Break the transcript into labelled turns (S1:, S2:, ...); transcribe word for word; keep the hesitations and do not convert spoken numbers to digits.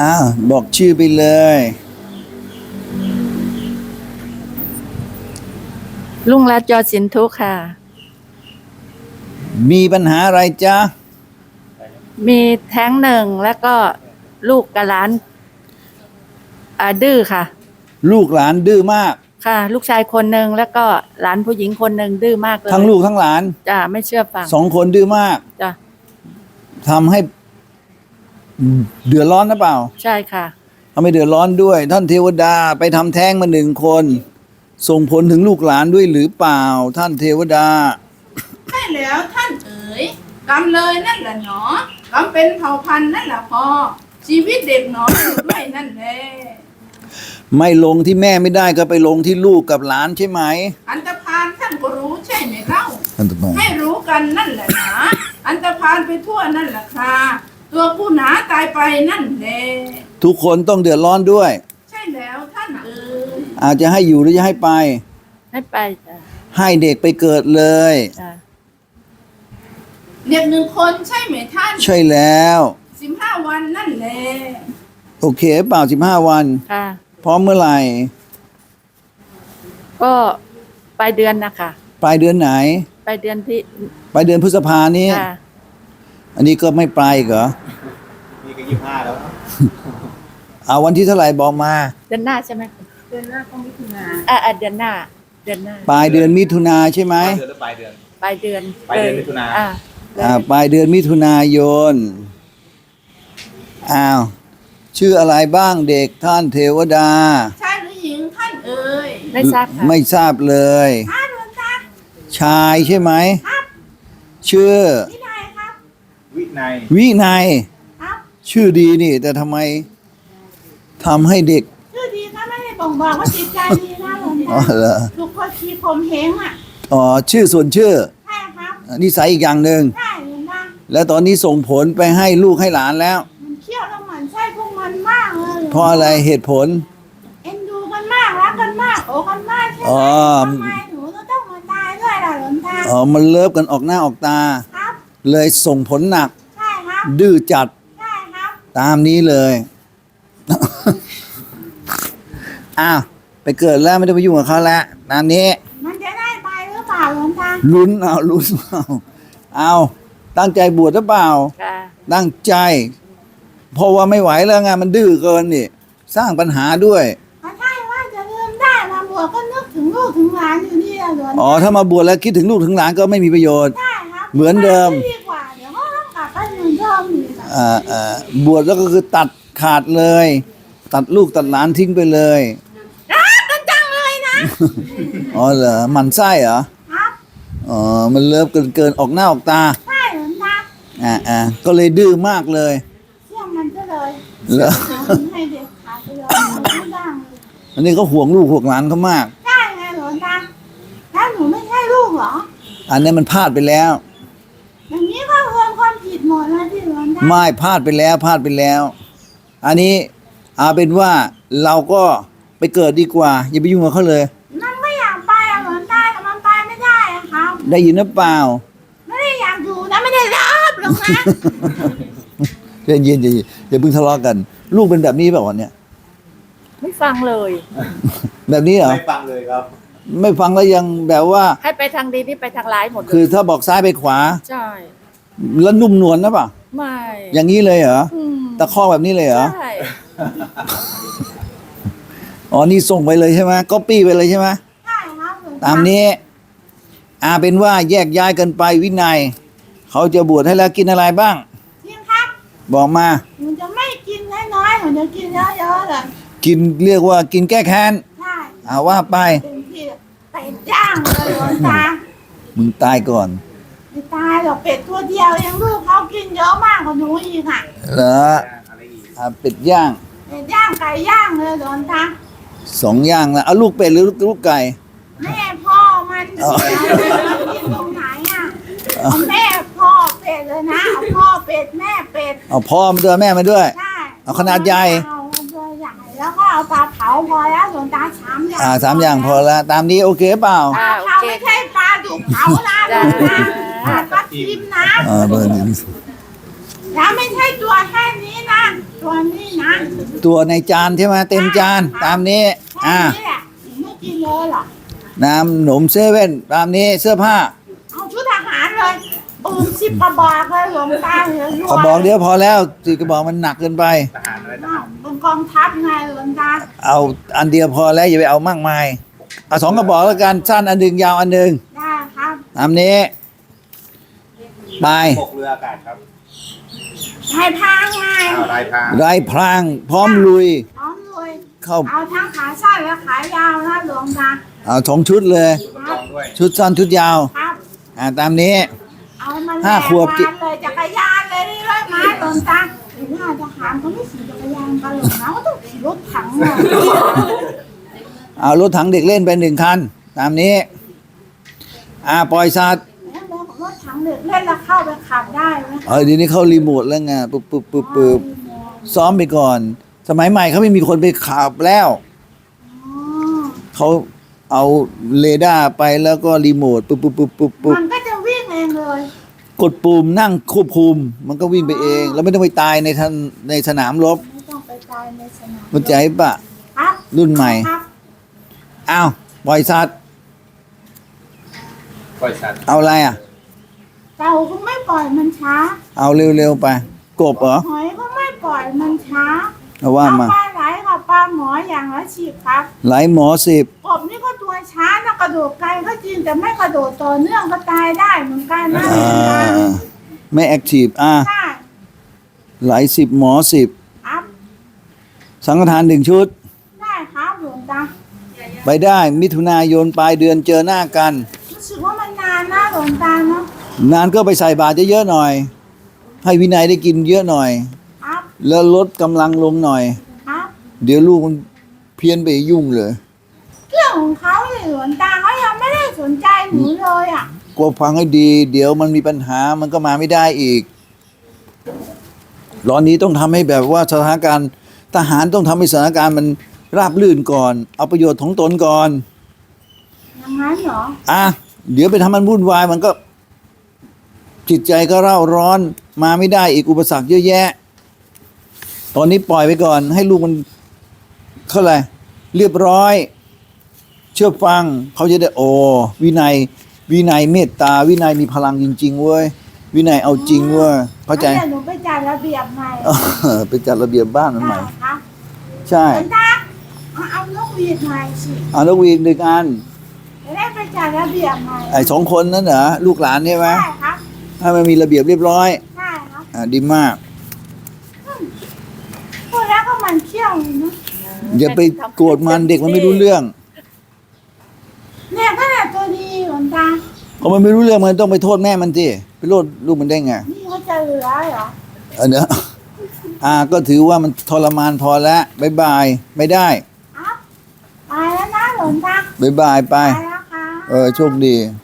S1: อ้าวบอกชื่อไปเลย
S2: ลุงรัตน์ยอดสินทุค่ะ
S1: มีปัญหาอะไรจ๊ะ
S2: มีแท้งหนึ่งแล้วก็ลูกกับหลานอ่าดื้อค่ะ
S1: ลูกหลานดื้อมาก
S2: ค่ะ ลูกชายคนหนึ่งแล้วก็หลานผู้หญิงคนหนึ่งดื้อมากเลย
S1: ทั้งลูกทั้งหลาน
S2: จ้ะไม่เชื่อฟัง
S1: สองคนดื้อมาก
S2: จ้ะ
S1: ทำให้เดือดร้อนหรือเปล่า
S2: ใช่ค่ะ
S1: ทำให้เดือดร้อนด้วยท่านเทวดาไปทำแท้งมาหนึ่งคนส่งผลถึงลูกหลานด้วยหรือเปล่าท่านเทวดา
S3: ใช่แล้วท่านเอ๋ยกรรมเลยนั่นแหละหนอกรรมเป็นเผ่าพันธุ์นั่นแหละพอชีวิตเด็กหนออยู่ด้วยนั่นแหละ
S1: ไม่ลงที่แม่ไม่ได้ก็ไปลงที่ลูกกับหลานใช่ไหม
S3: อันตพาลท่านก็รู้ใช่ไหมเล่าให้รู้กันนั่นแหละหนาอันตพาลไปทั่วนั่นแหละค่ะตัวผู้หนาตายไปนั่นแหละ
S1: ทุกคนต้องเดือดร้อนด้วย
S3: ใช่แล้วท่านเอ๋ย
S1: อาจจะให้อยู่หรือจะให้ไป
S2: ให้ไปจ้ะ
S1: ให้เด็กไปเกิดเลย
S2: จ้ะ
S3: เด็กหนึ่งคนใช่ไหมท่าน
S1: ใช่แล้ว
S3: สิบห้าวันนั่นแหละ
S1: โอเคเปล่าสิบห้าวัน
S2: ค่ะ
S1: พร้อมเมื่อไหร่
S2: ก็ปลายเดือนนะคะ
S1: ปลายเดือนไหน
S2: ปลายเดือนที่
S1: ปลายเดือนพฤษภานี้
S2: ค่ะ
S1: อันนี้ก็ไม่ปลายเหรอ
S4: นี่ก็ยี่สิบห้าแล้ว
S1: เอาวันที่เท่าไหร่บอกมา
S2: เดือนหน้าใช่ไหม
S3: เดือนหน้าก็มิถุนา
S2: อ่าเดือนหน้าเดือนหน้า
S1: ปลายเดือนมิถุนาใช่ไหม
S4: เดือนหรือปลายเดือน
S2: ปลายเดือน
S4: ปลายเดือนมิถุนา
S2: อ่า
S1: อ่าปลายเดือนมิถุนายนอ้าวชื่ออะไรบ้างเด็กท่านเทวดา
S3: ชายหรือหญิงท่านเอ๋ย
S2: ไม่ทราบค่ะ
S1: ไม่ทราบเลยชายใช่ไหมชื่อ
S3: วินัยครับ
S4: วินัย
S1: วินัย
S3: ครับ
S1: ชื่อดีนี่แต่ทำไมทำให้เด็ก
S3: ชื่อดีก็ไม่ได้บ่งบอกว่าจิตใจดีนะหลวงตา
S1: อ๋อเหรอ
S3: ทุกคนชีพมเหงอ่ะ
S1: อ๋อชื่อส่วนชื่อ
S3: ใช่ครับ
S1: นิสัยอีกอย่างหนึ่ง
S3: ใช่หลวงตา
S1: แล้วตอนนี้ส่งผลไปให้ลูกให้หลานแล้ว
S3: มันเขี้ยวแล้วมันใช่พวกมันมากเลย
S1: เพราะอะไรเหตุผล
S3: เอ็นดูกันมากรักกันมากโอ้กันมากใช่ไหมทำไมหนูต้องมาตายด้วยล่ะหลวงตา
S1: อ๋อมันเลิฟกันออกหน้าออกตา
S3: ครับ
S1: เลยส่งผลหนัก
S3: ใช่ครับ
S1: ดื้อจัด
S3: ใช่ครับ
S1: ตามนี้เลยอ้าวไปเกิดแล้วไม่ได้ไปยุ่งกับเขาแล้วตามนี้
S3: มันจะได้ไปหรือเปล่าหลวงตา
S1: ลุ้นเอาลุ้นเอาเอาตั้งใจบวชหรือเปล่าตั้งใจเพราะว่าไม่ไหวแล้วไงมันดื้อเกินนี่สร้างปัญหาด้วย
S3: ใช่ว่าจะลืมได้มาบวชก็นึกถึงลูกถึงหลานอยู่นี่แหละหลวงตา
S1: อ๋อถ้ามาบวชแล้วคิดถึงลูกถึงหลานก็ไม่มีประโยชน์
S3: ใช่ครับ
S1: เหมือนเดิม
S3: ดีกว่าเดี๋ยวก็ต้องกลับไปเหมือนเดิมอีก
S1: อ่าอ่าบวชแล้วก็คือตัดขาดเลยตัดลูกตัดหลานทิ้งไปเลย
S3: รักกันจังเลยนะ
S1: อ๋อเหรอมันไส้เหรอ
S3: ครับ
S1: อ๋อมันเลิฟเกินเกินออกหน้าออกตา
S3: ใช่หลวงตา
S1: อ่าอ่าก็เลยดื้อมากเลย
S3: เชื่อมันก็เลย
S1: เหรอ
S3: ให้เด็กขาดไปเลยไม่ได้
S1: อันนี้ก็ห่วงลูกห่วงหลานเขามาก
S3: ใช่ไงหลวงตาแล้วหนูไม่ใช่ลูกเหรอ
S1: อันนี้มันพลาดไปแล้ว
S3: อย่างนี้ก็รวมความผิดหมดแล้วที่หลวงตา
S1: ไม่พลาดไปแล้วพลาดไปแล้วอันนี้เอาเป็นว่าเราก็ไปเกิดดีกว่าอย่าไปยุ่งกับเขาเลย
S3: มันไม่อยากไปอะหลวงตาแต่มันไปไม่ได้อะครับ
S1: ได้ยินหรือเปล่า
S3: ไม่ได้อยากอยู่นะไม่ได้รับหรอกนะ
S1: เย็นเย็นอย่าอย่าเพิ่งทะเลาะกันลูกเป็นแบบนี้เปล่าเนี่ย
S2: ไม่ฟังเลย
S1: แบบนี้เหรอ
S4: ไม่ฟังเลยครับ
S1: ไม่ฟังแล้วยังแบบว่า
S2: ให้ไปทางดีนี่ไปทางร้ายหมด
S1: คือถ้าบอกซ้ายไปขวา
S2: ใช่
S1: แล้วนุ่มนวลนะป่ะ
S2: ไม่
S1: อย่างนี้เลยเหรอตะข้อแบบนี้เลยเหรอ
S2: ใช่
S1: อ๋อนี่ส่งไปเลยใช่ไหมก๊อปปี้ไปเลยใช่ไหม
S3: ใช่ครับ
S1: ตามนี้อาเป็นว่าแยกย้ายกันไปวินัยเขาจะบวชให้แล้วกินอะไรบ้าง
S3: จริงครับ
S1: บอกมา
S3: หนูจะไม่กินน้อยๆหนูจะกินเยอะๆเลย
S1: กินเรียกว่ากินแก้แค้น
S3: ใช่
S1: อาว่าไป
S3: เป็นที่เป็ดย่างเลยหลวงตา
S1: มึงตายก่อน
S3: ไม่ตายหรอกเป็ดตัวเดียวเองลูกเขากินเยอะมากกว่าหนูอีกอ่ะ
S1: เหรออ่าเป็ดย่าง
S3: เป็ดย่างไก่ย่างเลยหลวงตา
S1: สองย่างแล้วเอาลูกเป็ดหรือลูกไก่
S3: แม่พ่อมันเสียกินตรงไหนอ่ะเอาแม่พ่อเป็ดเลยนะเอาพ่อเป็ดแม่เป็ด
S1: เอาพ่อมาด้วยแม่มาด้วย
S3: ใช่
S1: เอาขนาดใหญ่
S3: เอาตัวใหญ่แล้วก็เอาปลาเผาพอแล้วหลวงตาสามอย่าง
S1: อ่าสามอย่างพอแล้วตามนี้โอเคเปล่า
S3: ปลาเผาไม่ใช่ปลาดุกเผานะหลวงตาปลาทิมนะ
S1: อ่าเบอร์นี้
S3: แล้วไม่ใช่ตัวแค่นี้นะตัวนี้นะ
S1: ตัวในจานใช่ไหมเต็มจานตามนี้
S3: แค่
S1: อ่า
S3: นี้แหละไม่กินเลยหรอก
S1: น้ำหนมเซเว่นตามนี้เสื้อผ้า
S3: เอาชุดทหารเลยปืนสิบกระบอกเลยหลวงตาเลย
S1: ขอบอกเดียวพอแล้วสี่กระบอกมันหนักเกินไป
S4: ทหารอะไรท
S3: อ้า
S4: หาว ร
S3: เป็นกองทัพไงหลวงตา
S1: เอาอันเดียวพอแล้วอย่าไปเอามากมายเอาสองกระบอกแล้วกันสั้นอันหนึ่งยาวอันหนึ่ง
S3: ได้ครับ
S1: ตามนี้ไป
S4: ปกเรืออากาศครับ
S3: ให้พังไง
S4: อ้าวลายพราง
S1: ไรพรางพร้อมลุย
S3: พร้อมเลย
S1: เข้า
S3: เอาทั้งขาสั้นและขายาวนะหลวงตา
S1: เอาสองชุดเลย
S4: อุปกรณ์ด้วย
S1: ชุดสั้นชุดยาว
S3: ครับ
S1: อ่าตามนี้
S3: เอามัน
S1: ห้าขวบ
S3: แรงเลยจักรยานเลยนี่เลยมาหลวงตาหรือว่าทหารเขาไม่ขี่จักรยานกันหรอกนะเขาต้องขี่รถถังเลย
S1: เอารถถังเด็กเล่นไปหนึ่งคัน ตามนี้ อ่าปล่อยสัตว์
S3: แล้วรถถังเด็กเล่นแล้วเข้าไปขับได้ไหม
S1: เออเดี๋ยวนี้เขารีโมทแล้วไงปึ๊บปึ๊บปึ๊บปึ๊บซ้อมไปก่อน สมัยใหม่เขาไม่มีคนไปขับแล้ว
S3: อ๋อ
S1: เขาเอาเรดาร์ไปแล้วก็รีโมทปึ๊บปึ๊บปึ๊บปึ๊บปึ๊บ
S3: มันก็จะวิ่งเองเลย
S1: กดปุ่มนั่งควบคุม มันก็วิ่งไปเอง แล้วไม่ต้องไปตายในทันในสนามรบ
S3: ไม่ต้องไปตายในสนาม
S1: มันใจปะ
S3: ครับ
S1: รุ่นใหม่
S3: ครับ
S1: อ้าวปล่อยสัตว์
S4: ปล่อยสัตว์
S1: เอาอะไรอ่ะ
S3: เต่าก็ไม่ปล่อยมันช้า
S1: เอาเร็วๆไป กบเหรอ
S3: หอยก็ไม่ปล่อยมันช้า
S1: เอาว่า
S3: เอา
S1: มา
S3: ปลาไหลกับปลาหมออย่างละสิบครับ
S1: ไหลหมอสิบ
S3: กบนี่ก็ตัวช้านะกระโดดไกลก็จริงแต่ไม่กระโดดต่อเนื่องก็ตายได้เหมือนกันนะ
S1: อ่าไม่แอคทีฟอ่ะ
S3: ใช่
S1: ไหลสิบหมอสิบ
S3: ครับ
S1: สังฆทานหนึ่งชุด
S3: ได้ครับหลวงตา
S1: ไปได้มิถุนายนปลายเดือนเจอหน้ากัน
S3: รู้สึกว่ามันนานนะหลวงตาเนาะ
S1: นานก็ไปใส่บาตรเยอะๆหน่อย ให้วินัยได้กินเยอะหน่อย
S3: ครับ
S1: แล้วลดกำลังลงหน่อย
S3: ครับ
S1: เดี๋ยวลูกมันเพี้ยนไปยุ่งเลย
S3: เรื่องของเขาเลยหลวงตาเขายังไม่ได้สนใจหนูเลยอ่ะ
S1: กลัวฟังให้ดี เดี๋ยวมันมีปัญหามันก็มาไม่ได้อีกตอนนี้ต้องทำให้แบบว่าสถานการณ์ทหารต้องทำให้สถานการณ์มันราบรื่นก่อน เอาประโยชน์ของตนก่อน
S3: อย่างนั้นเหรอ
S1: อ่ะเดี๋ยวไปทำมันวุ่นวายมันก็ จิตใจก็เร่าร้อนมาไม่ได้อีกอุปสรรคเยอะแยะ ตอนนี้ปล่อยไปก่อน ให้ลูกมันเข้าอะไรเรียบร้อย เชื่อฟังเขาจะได้โอ้วินัย วินัยเมตตา วินัยมีพลังจริง ๆเว้ยวินัยเอาจริงเว้ยเข้าใจ
S3: งั้นดี๋ยวหนูไปจัดระเบียบใหม่
S1: เออไปจัดระเบียบบ้านมันใหม่
S3: ได้ครับ
S1: ใช่
S3: หลวงตาเอาเอานกหวีดใหม่สิ
S1: เอาแล้ววีกหนึ่งอัน
S3: จะได้ไปจัดระเบียบใหม่
S1: ไอ้สองคนนั้นเหรอลูกหลานใช่ไหม
S3: ใช่ครับ
S1: ถ้ามันมีระเบียบเรียบร้อย
S3: ใช่ครับ
S1: อ่าดีมาก
S3: พูดแล้วก็มันเขี้ยวเลยนะ
S1: อย่าไปโกรธมันเด็กมันไม่รู้เรื่อง
S3: เนี่ยก็แต่ตัวดีหลวงตา
S1: พอมันไม่รู้เรื่องมันต้องไปโทษแม่มันสิไปโทษลูกมันได้ไง
S3: นี่เขาจะเหลือเหรอ
S1: เออเนอะอ่าก็ถือว่ามันทรมานพอแล้วบายบายไม่ได้
S3: ครับไปแล้วนะหลวงตา
S1: บายบายไป
S3: ไปแล้วค่ะ
S1: เออโชคดี
S3: ค